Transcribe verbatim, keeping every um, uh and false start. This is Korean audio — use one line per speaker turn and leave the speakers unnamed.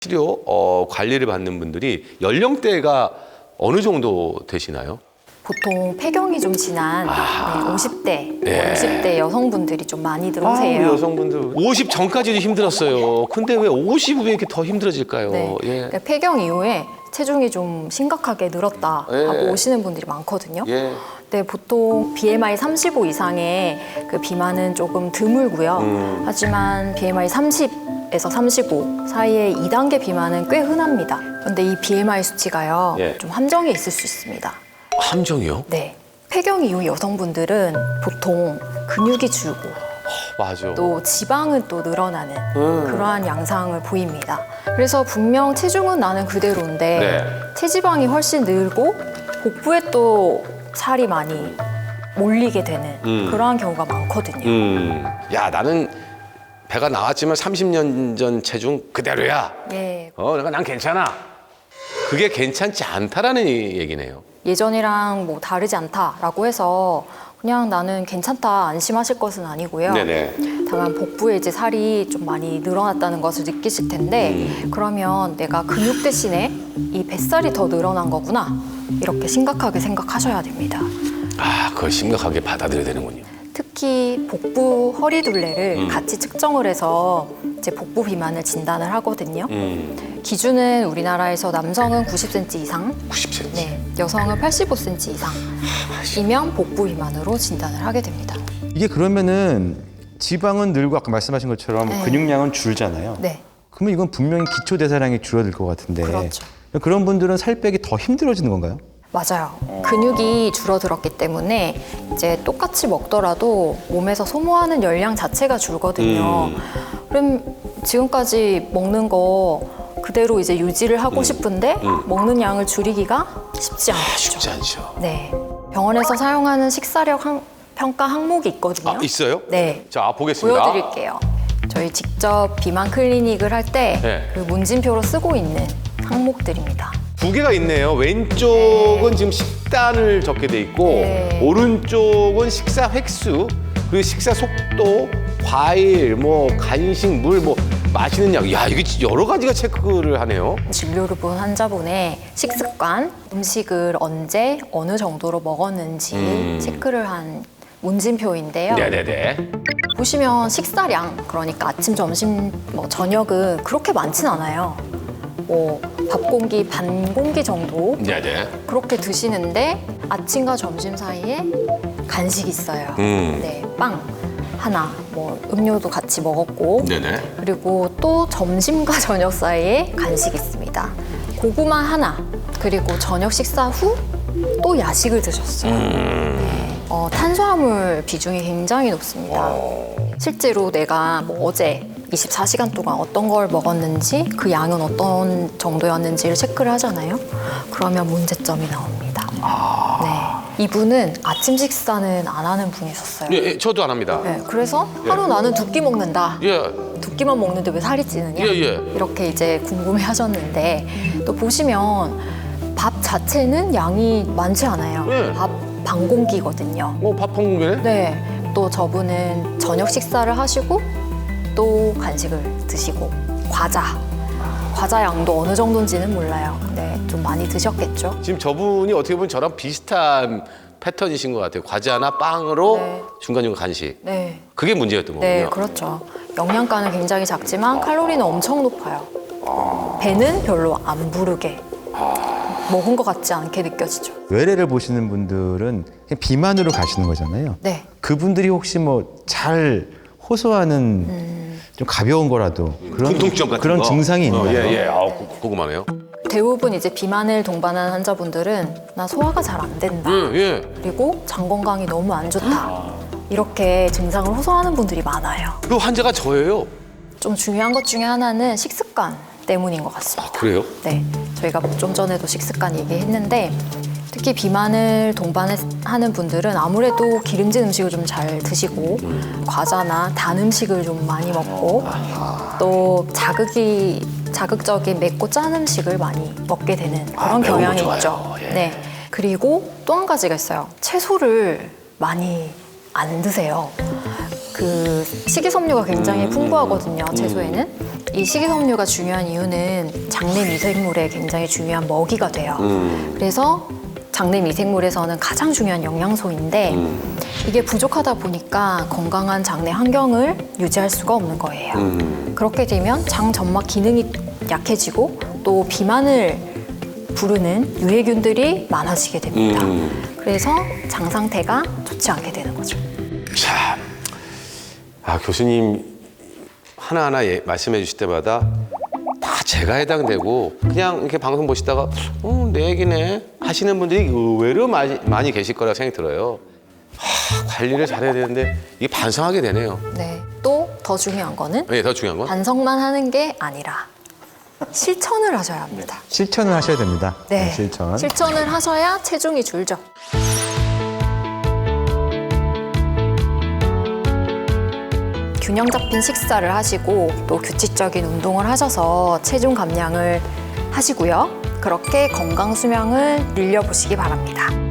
치료 어, 관리를 받는 분들이 연령대가 어느 정도 되시나요?
보통 폐경이 좀 지난
아.
네, 오십 대,
네.
육십 대 여성분들이 좀 많이
아,
들어오세요.
우리 여성분들 오십 전까지도 힘들었어요. 근데 왜 오십 후에 이렇게 더 힘들어질까요?
네.
예.
그러니까 폐경 이후에 체중이 좀 심각하게 늘었다
예.
하고 오시는 분들이 많거든요.
예.
네, 보통 비엠아이 삼십오 이상의 그 비만은 조금 드물고요.
음.
하지만 비엠아이 삼십에서 삼십오 사이의 이 단계 비만은 꽤 흔합니다. 그런데 이 비엠아이 수치가요,
예.
좀 함정이 있을 수 있습니다.
함정이요?
네, 폐경 이후 여성분들은 보통 근육이 줄고
맞아.
또 지방은 또 늘어나는
음.
그러한 양상을 보입니다. 그래서 분명 체중은 나는 그대로인데
네.
체지방이 훨씬 늘고 복부에 또 살이 많이 몰리게 되는
음.
그러한 경우가 많거든요.
음. 야, 나는 배가 나왔지만 삼십 년 전 체중 그대로야.
예,
어, 내가 난 괜찮아. 그게 괜찮지 않다라는 얘기네요.
예전이랑 뭐 다르지 않다라고 해서 그냥 나는 괜찮다 안심하실 것은 아니고요.
네네.
다만 복부에 이제 살이 좀 많이 늘어났다는 것을 느끼실 텐데
음.
그러면 내가 근육 대신에 이 뱃살이 더 늘어난 거구나 이렇게 심각하게 생각하셔야 됩니다.
아, 그걸 심각하게 받아들여야 되는군요.
특히 복부 허리 둘레를
음.
같이 측정을 해서 이제 복부 비만을 진단을 하거든요.
음.
기준은 우리나라에서 남성은 구십 센티미터 이상,
구십 센티미터.
네, 여성은 팔십오 센티미터 이상이면 복부 비만으로 진단을 하게 됩니다.
이게 그러면은 지방은 늘고 아까 말씀하신 것처럼
네.
근육량은 줄잖아요.
네,
그러면 이건 분명히 기초 대사량이 줄어들 것 같은데.
그렇죠.
그런 분들은 살 빼기 더 힘들어지는 건가요?
맞아요. 근육이 줄어들었기 때문에 이제 똑같이 먹더라도 몸에서 소모하는 열량 자체가 줄거든요.
음.
그럼 지금까지 먹는 거 그대로 이제 유지를 하고
음.
싶은데
음.
먹는 양을 줄이기가 쉽지 않죠.
쉽지 않죠.
네. 병원에서 사용하는 식사력 항- 평가 항목이 있거든요.
아, 있어요?
네.
자, 보겠습니다.
보여드릴게요. 저희 직접 비만 클리닉을 할 때 그
네.
문진표로 쓰고 있는 항목들입니다.
두 개가 있네요. 왼쪽은 지금 식단을 적게 돼 있고
네.
오른쪽은 식사 횟수, 그리고 식사 속도, 과일, 뭐 간식, 물, 뭐 마시는 약. 야, 이게 여러 가지가 체크를 하네요.
진료를 본 환자분의 식습관, 음식을 언제, 어느 정도로 먹었는지
음.
체크를 한 문진표인데요.
네네네.
보시면 식사량, 그러니까 아침, 점심, 뭐 저녁은 그렇게 많진 않아요. 뭐 밥 공기 반 공기 정도
네네.
그렇게 드시는데 아침과 점심 사이에 간식이 있어요.
음.
네, 빵 하나, 뭐 음료도 같이 먹었고
네네.
그리고 또 점심과 저녁 사이에 간식이 있습니다. 고구마 하나, 그리고 저녁 식사 후 또 야식을 드셨어요. 네. 어, 탄수화물 비중이 굉장히 높습니다. 실제로 내가 뭐 어제 이십사 시간 동안 어떤 걸 먹었는지 그 양은 어떤 정도였는지를 체크를 하잖아요. 그러면 문제점이 나옵니다. 네. 이분은 아침 식사는 안 하는 분이셨어요.
예, 예, 저도 안 합니다.
네, 그래서 하루 나는 두 끼 먹는다.
예.
두 끼만 먹는데 왜 살이 찌느냐?
예, 예.
이렇게 이제 궁금해 하셨는데 또 보시면 밥 자체는 양이 많지 않아요.
예.
밥 반 공기거든요.
뭐 밥 한 공기네?
네. 또 저분은 저녁 식사를 하시고 또 간식을 드시고 과자. 과자 양도 어느 정도인지는 몰라요. 근데 좀 많이 드셨겠죠?
지금 저분이 어떻게 보면 저랑 비슷한 패턴이신 것 같아요. 과자나 빵으로
네.
중간중간 간식.
네.
그게 문제였던 거군요.
네, 그렇죠. 영양가는 굉장히 작지만 칼로리는 엄청 높아요. 배는 별로 안 부르게 먹은 것 같지 않게 느껴지죠.
외래를 보시는 분들은 그냥 비만으로 가시는 거잖아요.
네.
그분들이 혹시 뭐 잘 호소하는 좀 가벼운 거라도 그런
공통점 같은
그런
거?
증상이 있나요?
어, 예, 예. 아, 구- 궁금하네요.
대부분 이제 비만을 동반한 환자분들은 나 소화가 잘 안 된다.
예, 예.
그리고 장 건강이 너무 안 좋다. 이렇게 증상을 호소하는 분들이 많아요.
그 환자가 저예요.
좀 중요한 것 중에 하나는 식습관 때문인 것 같습니다.
아, 그래요?
네, 저희가 좀 전에도 식습관 얘기했는데 특히 비만을 동반하는 분들은 아무래도 기름진 음식을 좀 잘 드시고 과자나 단 음식을 좀 많이 먹고 또 자극이 자극적인 맵고 짠 음식을 많이 먹게 되는 그런
아, 매운 거
경향이
좋아요.
있죠.
예.
네, 그리고 또 한 가지가 있어요. 채소를 많이 안 드세요. 그 식이섬유가 굉장히 풍부하거든요. 채소에는. 이 식이섬유가 중요한 이유는 장내 미생물에 굉장히 중요한 먹이가 돼요.
음.
그래서 장내 미생물에서는 가장 중요한 영양소인데
음.
이게 부족하다 보니까 건강한 장내 환경을 유지할 수가 없는 거예요.
음.
그렇게 되면 장 점막 기능이 약해지고 또 비만을 부르는 유해균들이 많아지게 됩니다.
음.
그래서 장 상태가 좋지 않게 되는 거죠.
참, 아 교수님 하나하나 예, 말씀해 주실 때마다 다 제가 해당되고 그냥 이렇게 방송 보시다가 어, 내 얘기네 하시는 분들이 의외로 많이, 많이 계실 거라 생각이 들어요. 하, 관리를 잘해야 되는데 이게 반성하게 되네요.
네. 또 더 중요한 거는
네, 더 중요한 건
반성만 하는 게 아니라 실천을 하셔야 합니다.
실천을 하셔야 됩니다.
네.
실천.
실천을 하셔야 체중이 줄죠. 균형 잡힌 식사를 하시고 또 규칙적인 운동을 하셔서 체중 감량을 하시고요. 그렇게 건강 수명을 늘려보시기 바랍니다.